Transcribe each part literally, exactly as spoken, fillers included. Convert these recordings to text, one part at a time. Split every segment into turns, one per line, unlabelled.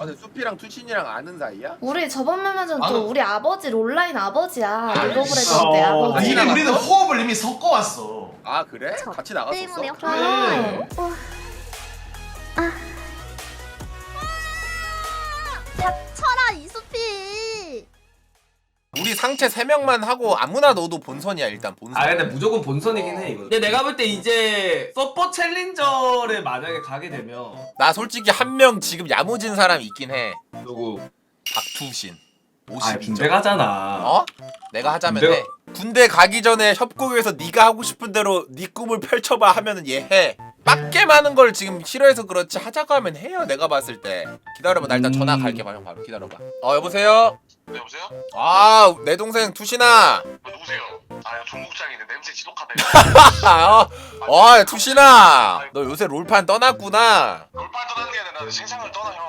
근데 수피랑 투신이랑 아는 사이야?
우리 저번 멤버전
아,
또 우리 아버지 롤라인 아버지야.
아,
리버브레
있어.
때
아,
아버지.
이미 우리는 호흡을 이미 섞어왔어.
아 그래?
저
같이 나갔었어?
때문에
네.
어.
닥쳐라 이수피.
우리 상체 세 명만 하고 아무나 넣어도 본선이야 일단 본선.
아 근데 무조건 본선이긴 해 이거. 근데 내가 볼 때 이제 서퍼 챌린저를 만약에 가게 되면
나 솔직히 한 명 지금 야무진 사람 있긴 해.
누구?
박투신.
아
오십이 점.
군대 가잖아.
어? 내가 하자면
군대가-
해. 군대 가기 전에 협곡에서 네가 하고 싶은 대로 네 꿈을 펼쳐봐 하면은 얘 해. 빡게 많은 걸 지금 싫어해서 그렇지 하자고 하면 해요. 내가 봤을 때. 기다려봐. 나 일단
음.
전화 갈게. 봐. 형 바로 기다려봐. 어 여보세요?
네, 여보세요?
아 내 동생 투신아.
어, 누구세요? 아, 종국장인데 냄새 지독하다.
아, 어, 어 투신아. 너 요새 롤판 떠났구나.
롤판 떠나는 게 아니라 생상을 떠나, 형.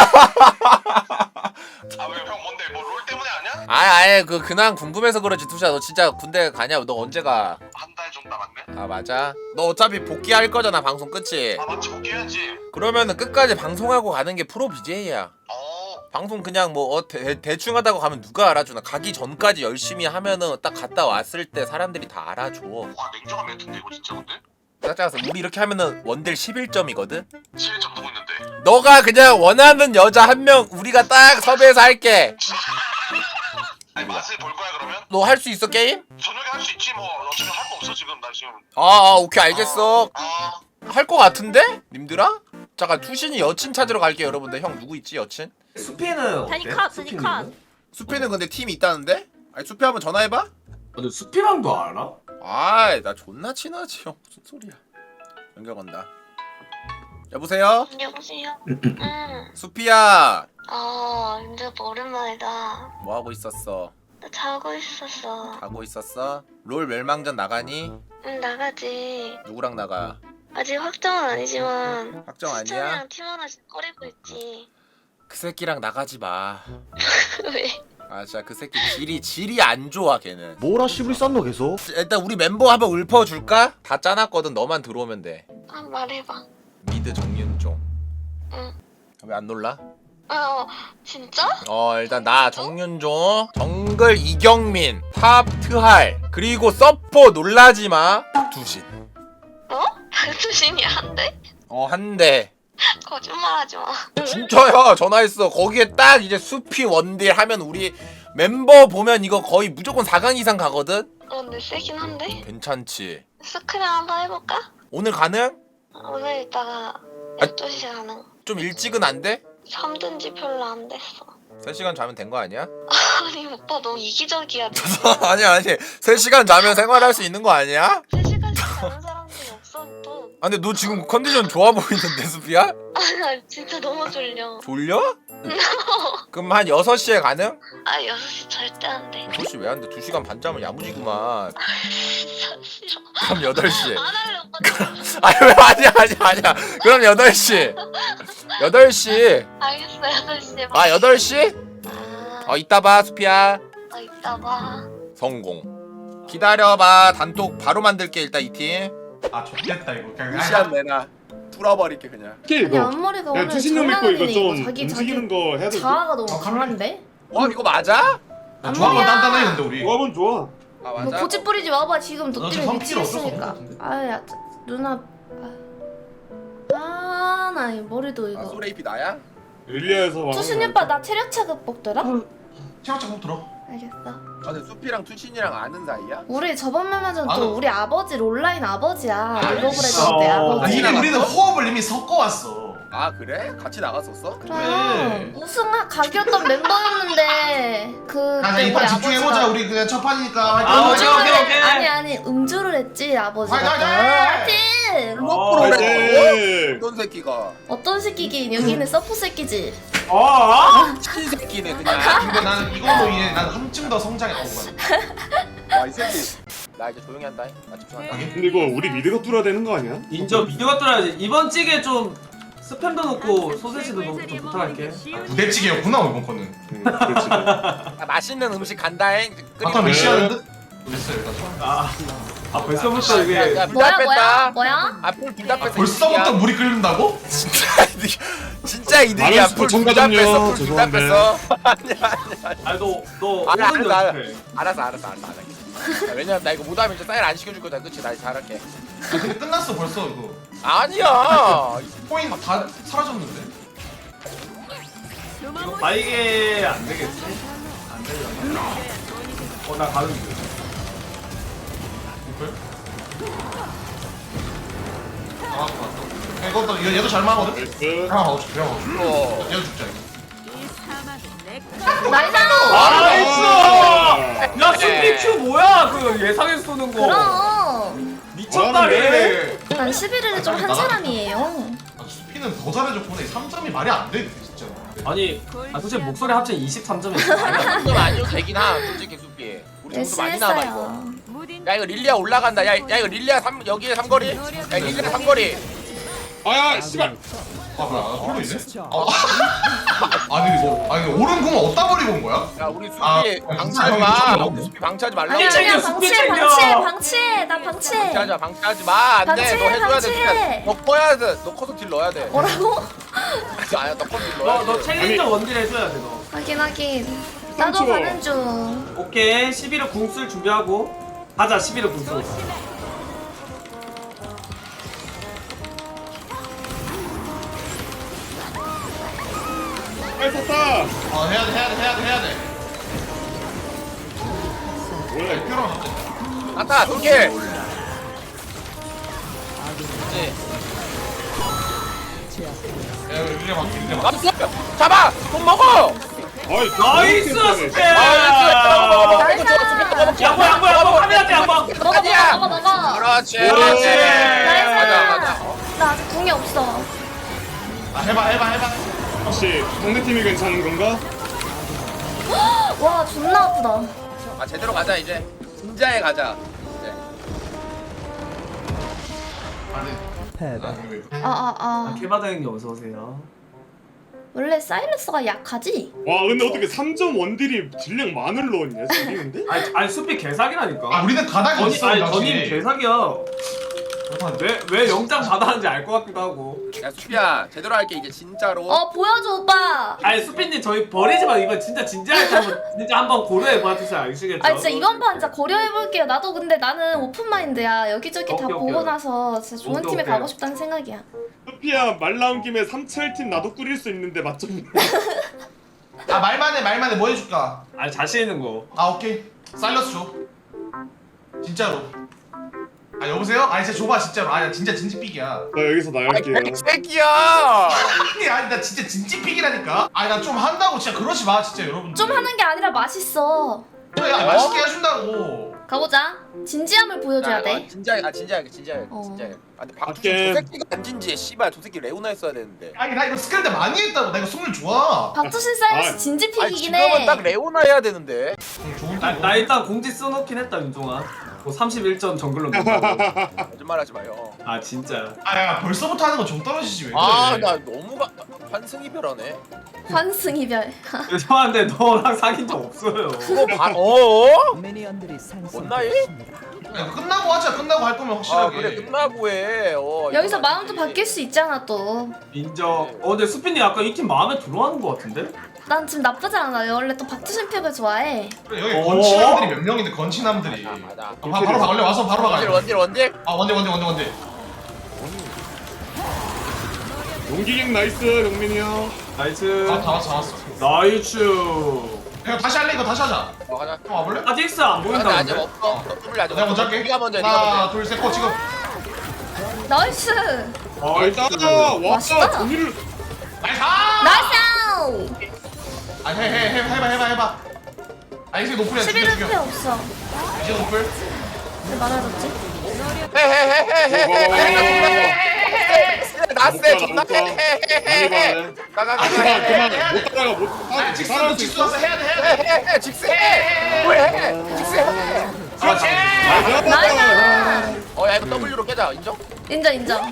아, 왜, 형, 뭔데? 뭐, 롤 때문에 아냐?
아예 아예 그 근황 궁금해서 그러지 투신아. 너 진짜 군대 가냐? 너 언제 가?
한 달 정도 남았네?
아 맞아? 너 어차피 복귀할 거잖아 방송 끝이.
아, 맞지, 복귀해야지.
그러면은 끝까지 방송하고 가는 게 프로 비제이야.
어,
방송 그냥 뭐 어, 대, 대충 하다가 가면 누가 알아주나. 가기 전까지 열심히 하면은 딱 갔다 왔을 때 사람들이 다 알아줘.
와, 냉정한 멘트인데, 이거 진짜 근데?
짜짜서 우리 이렇게 하면은 원딜 십일 점이거든?
칠 점 누구 있는데?
너가 그냥 원하는 여자 한 명 우리가 딱 섭외해서 할게.
아니, 맛을 볼 거야, 그러면?
너 할 수 있어 게임?
저녁에 할 수 있지, 뭐. 어차피 할 거 없어, 지금. 나 지금.
아, 아 오케이 알겠어.
아,
할 거 같은데? 님들아? 잠깐 투신이 여친 찾으러 갈게요 여러분들. 형 누구 있지 여친?
수피는 어때?
다니카,
수피는?
다니카.
수피는 근데 팀이 있다는데? 아니 수피 한번 전화해봐?
근데 수피랑도 알아?
아이 나 존나 친하지 형. 무슨 소리야. 연결 건다. 여보세요?
여보세요. 응.
수피야
아, 근데 오랜만이다.
뭐하고 있었어?
나 자고 있었어.
자고 있었어? 롤 멸망전 나가니?
응, 나가지.
누구랑 나가?
아직 확정은 아니지만.
확정 아니야?
수찬이랑 팀 하나씩 꾸리고 있지.
그 새끼랑 나가지 마.
왜?
아 진짜 그 새끼 질이 질이 안 좋아 걔는.
뭐라 씨부리 쌌노 계속?
일단 우리 멤버 한번 읊어줄까? 다 짜놨거든. 너만 들어오면 돼.
아, 말해봐.
미드 정윤종.
응.
왜 안 놀라?
어, 진짜?
어 일단 나 정윤종, 정글 이경민, 탑 트할, 그리고 서포 놀라지마 두신.
어? 박수신이 한대?
어 한대.
거짓말하지 마.
진짜야 전화했어. 거기에 딱 이제 수피 원딜 하면 우리 멤버 보면 이거 거의 무조건 사 강 이상 가거든?
어, 근데 세긴 한데?
괜찮지?
스크린 한번 해볼까?
오늘 가능?
오늘 이따가
아.
열두 시에 가는.
좀 일찍은 안 돼?
잠든 지 별로 안 됐어.
세 시간 자면 된 거 아니야?
아니 오빠 너무 이기적이야.
아니 아니 세 시간 자면 생활할 수 있는 거 아니야?
세 시간씩 자는 사람들이 없어 또.
아 근데 너 지금 컨디션 좋아 보이는데 수피야?
아니 진짜 너무 졸려.
졸려? 그럼 한 여섯 시에 가능?
아 여섯 시 절대 안 돼.
여섯 시 왜 안 돼? 두 시간 반 자면 야무지구만.
진짜 싫어.
그럼 여덟 시.
안 할래 오빠.
아니 왜 아니야 아니야 아니야. 그럼 여덟 시. 여덟 시.
알겠어 여덟 시에 봐.
아 여덟 시?
아,
어 이따 봐 수피야.
어, 이따 봐.
성공. 기다려봐. 단톡 바로 만들게 일단 이 팀.
아 좋겠다 이거. 그냥
시간 내놔. 뚫어버릴게 그냥.
아니
이거
앞머리가
야
오늘
투신놈 있고 이거
장난이네.
좀
자기 자기
움직이는 거 해야 돼.
자아가 너무
아,
강한데?
와 이거 맞아?
야, 조합은
앞머리야.
단단해 근데 우리.
조합은 좋아.
아
뭐
맞아.
고집 부리지 마봐. 지금
너
너
지금
때문에
성필이 없어서
미치겠으니까.
그런 것
아야 누나. 아나 이 머리도
아
이거.
소레이피 나야?
릴리아에서
투신 오빠 나 체력 차급 먹더라?
체력장 꼭 들어.
알겠어.
아 근데 수피랑 투신이랑 아는 사이야?
우리 저번 멤버전
아,
또
너-
우리 아버지 롤라인 아버지야.
아,
리버브레
있어.
때
아,
아버지.
이미 우리는 호흡을 이미 섞어왔어.
아 그래? 같이 나갔었어?
그럼
네.
우승 각이었던 멤버였는데 그
가자
우리
이판 집중해보자.
아버지가
우리 그냥 첫 판이니까.
아,
화이팅!
오케이,
음주를
오케이, 오케이.
아니 아니 음주를 했지 아버지가.
화이팅,
또.
화이팅!
화이팅!
뭐
어,
프로그램 어떤 새끼가?
어떤 새끼긴 여기는 서프 새끼지.
어? 어?
친 새끼네 그냥.
근데 나는 이걸로 인해 난 한층 더 성장해 온 거야.
와 이 새끼. 나 이제 조용히 한다. 나 집중한다.
근데 이거 우리 미드가 뚫어야 되는 거 아니야?
인정 미디어가 뚫어야지. 이번 찌개 좀 스팸도 넣고 소세지도 넣고 좀 부탁할게.
부대찌개였구나 이번 거는.
응, 그렇지.
아, 맛있는 음식 간다잉.
아까 몇
네.
시간인데? 됐어 일단.
아, 아 벌써부터 이게
야,
뭐야
둘다
뭐야
뺐다.
뭐야?
아풀둘다 뺐어.
벌써부터 물이 끓는다고?
진짜 이득 진짜 이득이야.
많은
풀둘다
시청자분요,
뺐어. 풀둘다
죄송한데.
뺐어. 아니야 아니야.
아니 너너
아니,
오른
알았어,
연습해.
알았어 알았어 알았어 알았어. 야, 왜냐면 나 이거 못하면 이제 사인 안 시켜줄 거다. 그치? 나 잘할게.
아, 근데 끝났어 벌써 이거.
아니야.
코인 다 사라졌는데.
이거 바이게 안 되겠지? 안 되려나? 어나 가는 중.
이걸? 아 맞다. 이것도 얘- 얘도 잘 막거든.
나이스.
아 어죽 그냥 어죽.
어.
얘도 죽자 이거.
나이스.
나이스! 야 슈피 큐 뭐야? 그 예상해서 쏘는 거.
그럼
미쳤다 얘.
난 십일 일에 좀 한 사람이에요.
아, 수피는 더 잘해줬구나. 이 삼 점이 말이 안 돼, 진짜.
아니, 아 솔직히 목소리 합쳐 이십삼 점이었어.
정도 아니어도 되긴 하. 솔직히 수비. 우리 정도 많이 남아 이거.
열심히
야 이거 릴리아 올라간다. 야, 야 이거 릴리아 삼 여기에 삼거리. 야 릴리아 삼거리.
아야 씨발.
아 뭐야? 홀로 있네? 아, 아니 이거 아니 오른 공 어디다 버리고 온 거야?
야 우리 수비
아,
방치하지
형이
마.
미쳤나?
우리 수피 방치하지 말라고.
아니야
챙겨,
아니야
스피
방치해
챙겨.
방치해 방치해 나 방치해.
방치하지 마. 방치하지 마. 안 돼.
방치해,
너 해줘야 돼.
방치해.
진짜. 너 커야 돼. 너 커서 딜 넣어야 돼.
뭐라고?
아니야 너 커서 딜 넣어야 돼.
너너 챌린저 원딜 해줘야 돼 너.
확인 확인. 나도
삼초.
가는 중.
오케이 십일 호 궁술 준비하고 가자 십일 호 궁술.
빨리 탔다.
아 해야 돼 해야 돼 해야 돼 해야 돼.
뭐야 이거.
뼈랑 잡자.
갔다 돌킬.
야 이거 릴레 막기 릴레 막.
남수 잡아. 돈 먹어.
아이
나이스
너무
스페.
아,
나이스.
양보 양보 양보 카메라 대 양보.
먹어 먹어
아니야.
먹어 먹어.
그렇지.
오.
그렇지.
나이스.
가자 가자.
나 아직 궁이 없어.
아 해봐 해봐 해봐.
혹시 상대팀이 괜찮은 건가?
와 존나 아프다.
아 제대로 가자 이제. 진짜에 가자. 이제.
아니. 아 이거 왜?
아아 아.
개바다 형님 어서 오세요.
원래 사이러스가 약하지?
와 근데 어떻게 삼 점 원딜이 딜량 만을 넣었냐 지금인데?
아니 아니 수피 개사기라니까.
아 우리는 가닥이
전이
있어
아니
당신.
전임 개사기야. 왜왜 영장 받았는지 알 것 같기도 하고.
야 수피야 제대로 할게 이제 진짜로.
어 보여줘 오빠.
아니 수피님 저희 버리지만 이번 진짜 진지하게 한번 진짜 한번 고려해 봐주세요 아시겠죠?
아 진짜 이번 판 진짜 고려해볼게요. 나도 근데 나는 오픈 마인드야. 여기저기 다
오케이,
보고
오케이.
나서 진짜 좋은
오케이,
팀에
오케이.
가고 싶다는 생각이야.
소피야 말 나온 김에 삼철팀 나도 꾸릴 수 있는데 맞좀.
아 말만 해 말만 해 뭐 해줄까?
아니 자신 있는 거.
아 오케이. 사일러스 줘. 진짜로. 아 여보세요? 아 진짜 줘봐 진짜로. 아 진짜 진지픽이야.
나 여기서
아이
나갈게요.
개새끼야.
아니 아니 나 진짜 진지픽이라니까. 아니 나 좀 한다고 진짜 그러지 마 진짜 여러분.
좀 하는 게 아니라 맛있어.
그래 야 맛있게 해준다고.
가보자. 진지함을 보여줘야 돼.
진지하게 아 진지하게 진지하게
어.
진지하게. 아 근데 박두준
오케이.
저 새끼가 안 진지해. 씨발 저 새끼 레오나 했어야 되는데.
아니 나 이거 스크린때 많이 했다고. 나 이거 승률 좋아.
박투신 사이러스
아,
진지픽이긴
아니 지금은
해.
딱 레오나 해야 되는데.
응, 좋은
나,
팀.
나 일단 공지 써놓긴 했다 윤종아. 뭐 삼십일 점 정글로 넣는다고.
거짓말하지 마요.
아 진짜.
아야 벌써부터 하는 거 좀 떨어지지 왜 그래?
아 나 너무 가, 환승이별하네.
환승이별.
죄송한데 너랑 사귄 적 없어요.
그거 봐. 어어?
미니언들이
뭔 나이?
생성됐습니다.
야, 끝나고 하자. 끝나고 할 거면
아
확실하게.
그래 끝나고 해. 어,
여기서
이거는
마음도
아니지.
바뀔 수 있잖아 또.
인정. 어 근데 수피님 약간 이 팀 마음에 들어하는 것 같은데?
난 지금 나쁘지 않아. 원래 또 박투신 픽을 좋아해.
그래, 여기
어?
건치남들이 몇 명인데 건치남들이.
맞아 맞아.
아, 바, 바로 가 원래 와서 바로
원딜
박아.
원딜 원딜.
아 원대 원대 원대 원대.
용기객 나이스 영민이 형.
나이스.
아, 다 왔어 다 왔어.
나이스.
야 다시 할래 이거 다시 하자.
어 가자.
형 와볼래?
아직 X 안
근데 아직
보인다는데?
없어. 더블 아직
내가 먼저
없어.
할게.
네가 먼저 해. 네가
하나
먼저. 해.
둘셋고 지금.
나이스.
나이스. 와
맛있다.
종이를.
나이스.
나이스.
아해해 해 해봐 해봐 해봐. 아 이제 노플이야 죽여
십일 회
죽여.
없어.
이제 노플.
왜 말아줬지?
헤헤헤헤헤헤. 나세 존나 헤헤헤헤. 가가
아
가가.
그만 그만 못 따라가 못.
아
아
직스
따라갈 수
직스
있어.
와서 해야 돼 해야 돼.
헤헤헤 직스해. 뭐해? 직스해.
그렇지.
나이스.
어야 이거 W로 깨자 인정?
인정 인정.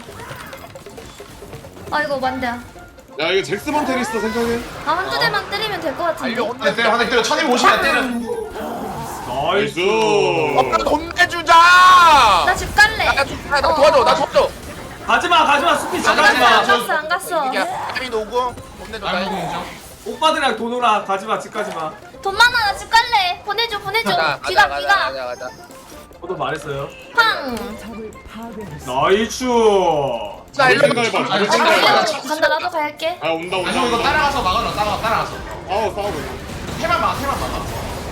아이고 만대야.
야 이거 잭스먼 테니스 생각해.
아 한두 대만 때리면 될 것 같은데.
알려
한 대 때려 한 대 때려 천이백오십이야 때려.
나이스.
나이스.
돈 내주자. 가자.
나 집 갈래.
나, 나, 좀- 나, 나 도와줘. 나 도와줘.
가지마 가지마 수피
안 갔어
가지마.
안 갔어 안 갔어.
이게 아미 노고 혼내줘.
아이고
나.
인정.
오빠들이랑 도노라 가지마 집 가지마.
돈 많아 나 집 갈래. 보내줘 보내줘.
가자
비가
가자
비가.
가자 가자.
저도 말했어요.
팡.
나이스.
자 일로
생각해봐. 잘
아,
생각해봐.
그래요? 간다 나도 갈게.
아 온다 온다.
아니 형 이거
온다.
따라가서 막아라. 따라가 따라가서.
아우 싸우고 있네.
해만 막아. 해만 막아.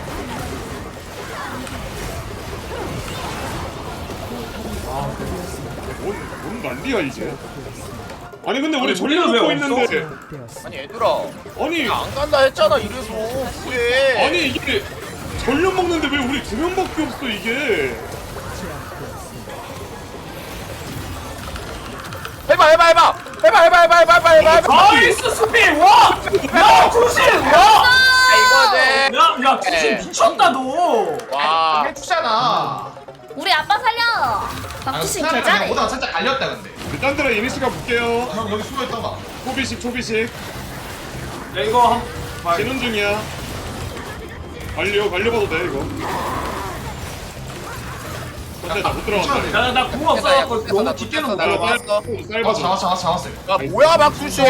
뭔, 뭔 난리야 이제. 아니 근데 우리
아니,
전력
우리는 왜
먹고
없어?
있는데
아니 얘들아.
아니
안 간다 했잖아 이래서. 왜?
아니 이게 전력 먹는데 왜 우리 두 명밖에 없어 이게.
해봐 해봐 해봐. 해봐 해봐 해봐 해봐 해봐 해봐 해봐.
나이스 수피 와. 야 투신 와.
이거지.
야야 투신
네.
미쳤다 너.
와.
해주잖아.
우리 아빠 살려. 박주신
그냥
개잘해.
오다가 살짝 갈렸다 근데.
일단 들어 이니시가 볼게요.
형 여기 숨어 있던가.
초비식 초비식.
야 이거 한. 봐.
진원 중이야. 갈려 갈려봐도 돼 이거. 근데 나못 들어간다.
야나궁 없어갖고 너무 깊게는 못
나
들어가.
왔어.
어
짧아서.
잡았어 잡았어 잡았어.
야 뭐야 박수씨.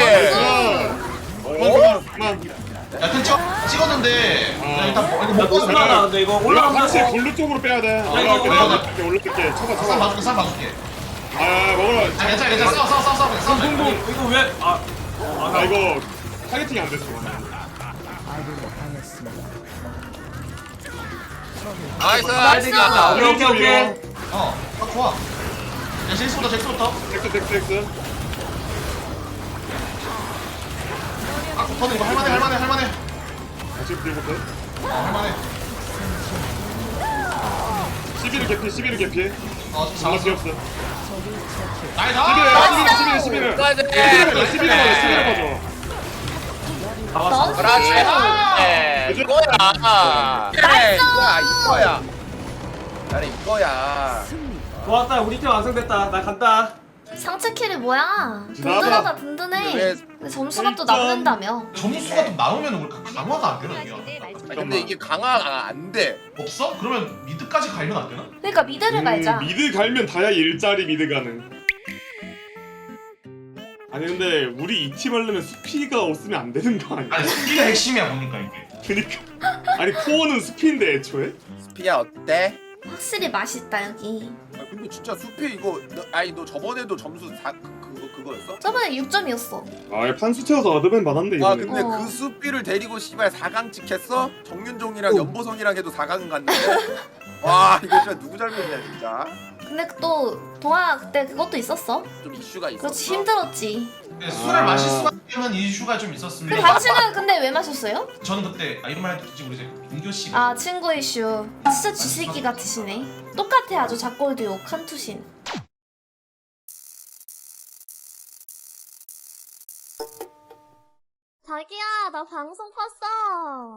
그만 그만.
야 튼 찍어 찍었는데.
어.
야, 일단 뭐, 이거
야
먹고
또 올라가 근데 이거
올라 같이
올라가면서.
골루 쪽으로 빼야 돼.
이거
올라갈게
올라가.
올라갈게 올라갈게. 쳐봐
쌈
쳐봐.
봐줄게 쌈 봐줄게.
아 먹어라.
아 괜찮아 괜찮아 싸워 싸워 싸워 싸워 싸워.
이거 이거 왜? 아.
아 이거 타겟팅이 안 됐어.
나이스.
나이스.
오케이 오케이 오케이.
어 아, 좋아. 야 잭스부터 잭스부터.
텍스 텍스 텍스.
아 붙어는 이거 할만해 할만해 할만해.
다시 뒤부터.
어 할만해.
십일 개피 십일 개피.
어
장난
잡았어.
피 없어.
나이스.
십일 십일 십일.
까지.
십일 십일 가져 십일 가져.
잡았어.
그렇지.
아.
네, 이거야. 그래, 이거야, 이거야. 나는 이거야.
좋았다 우리 팀 완성됐다. 나 간다.
상체 킬이 뭐야?
지나가다.
든든하다 든든해.
왜-
근데 점수가 또
일 점.
남는다며.
점수가 좀 나오면 우리 강화가 안 되나 이게?
아니, 근데 이게 강화가 안 돼.
없어? 그러면 미드까지 갈면 안 되나?
그러니까 미드를 갈자.
음, 미드 갈면 다야 일자리 미드 가는. 아니 근데 우리 이 팀 하려면 수피가 없으면 안 되는 거 아니야?
아니 스피가 핵심이야 보니까 이게.
그니까 아니 코어는 수피인데 애초에?
스피야 어때?
확실히 맛있다 여기.
아, 근데 진짜 수피 이거 너, 아니 너 저번에도 점수 사, 그, 그거 그거였어?
저번에 육 점이었어.
아 판수 채워서 얻으면 많았는데
아
이번에.
근데
어.
그 수피를 데리고 씨발 사 강 찍혔어? 정윤종이랑 연보성이랑 해도 사 강은 갔는데 와 이거 진짜 누구 잘못이야 진짜.
근데 또 동아 그때 그것도 있었어.
좀 이슈가 있었어.
그렇지 힘들었지.
근데 술을 마실 수밖에 없는 이슈가 좀 있었습니다.
그 당신은 근데 왜 마셨어요?
저는 그때 아 이런 말 해도 되지 우리 이제 민교 씨.
아 친구 이슈. 진짜 쥐새끼 같으시네. 똑같아 아주 작골도 욕 한투신. 자기야 나 방송 껐어.